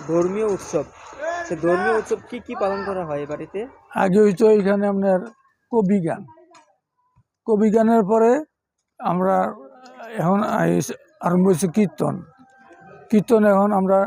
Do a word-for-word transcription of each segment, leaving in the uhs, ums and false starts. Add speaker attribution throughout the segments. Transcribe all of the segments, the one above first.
Speaker 1: ধর্মীয় উৎসব, সে ধর্মীয় উৎসব কি কি পালন করা হয় এই বাড়িতে?
Speaker 2: আগে হইতো এখানে আপনার কবি গান, কবি গানের পরে আমরা এখন আইস- আরম্ভ হয়েছে কীর্তন। কীর্তন এখন আমরা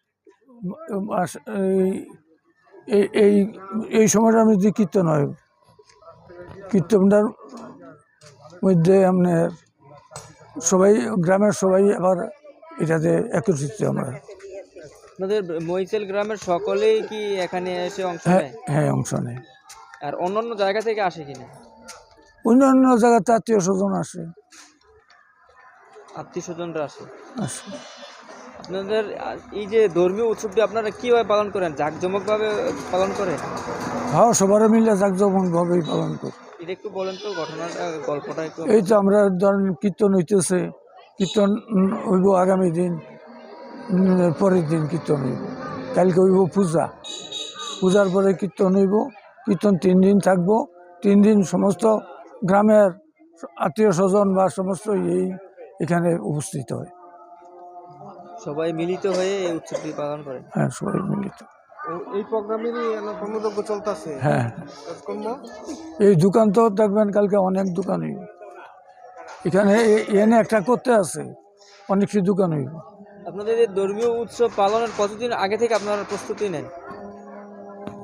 Speaker 2: এই- এই এই এই সময়টা আমি যে কীর্তন হয়, কীর্তনটার মধ্যে আপনার সবাই গ্রামের সবাই আবার এটাতে একত্রিত আমরা।
Speaker 1: আপনাদের মহিচেল গ্রামের সকলেই কি এখানে এসে অংশ
Speaker 2: হ্যাঁ
Speaker 1: নেয়?
Speaker 2: হ্যাঁ অংশ নেয়।
Speaker 1: আর অন্যান্য জায়গা থেকে আসে কিনা?
Speaker 2: অন্য অন্য জায়গাতে আত্মীয় স্বজন আসে
Speaker 1: আত্মীয় স্বজনরা আসে।
Speaker 2: আসে
Speaker 1: আপনাদের আহ, এই যে ধর্মীয় উৎসবটি আপনারা কিভাবে পালন করেন? জাঁকজমক ভাবে পালন করেন?
Speaker 2: হ্যাঁ সবার মিলে জাঁকজমকভাবেই পালন করি।
Speaker 1: এটা একটু বলেন তো, ঘটনাটা, গল্পটা একটু।
Speaker 2: এই তো আমরা ধরেন কীর্তন হইতেছে, কীর্তন উম, হইব আগামী দিন, উম, পরের দিন কীর্তন হইব, কালকে হইব পূজা, পূজার পরে কীর্তন হইব, কীর্তন তিন দিন থাকবো, তিন দিন সমস্ত গ্রামের আত্মীয় স্বজন বা সমস্ত এই এখানে উপস্থিত হয়।
Speaker 1: সবাই মিলিত হয়ে এই উৎসবটি পালন করেন।
Speaker 2: হ্যাঁ সবাই মিলিত।
Speaker 3: এই প্রোগ্রামেরই কর্মযজ্ঞ চলতেছে
Speaker 2: হ্যাঁ
Speaker 3: কাজকর্ম।
Speaker 2: এই দোকান তো দেখবেন কালকে অনেক দোকান হইব এখানে, এ- এনে একটা করতে আছে, অনেক সে দোকান হইব।
Speaker 1: আপনাদের এই ধর্মীয় উৎসব পালনের কতদিন আগে থেকে আপনারা প্রস্তুতি নেন?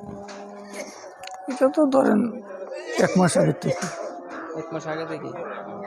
Speaker 2: এটা তো ধরেন এক মাস আগের থেকে।
Speaker 1: এক মাস আগে থেকে।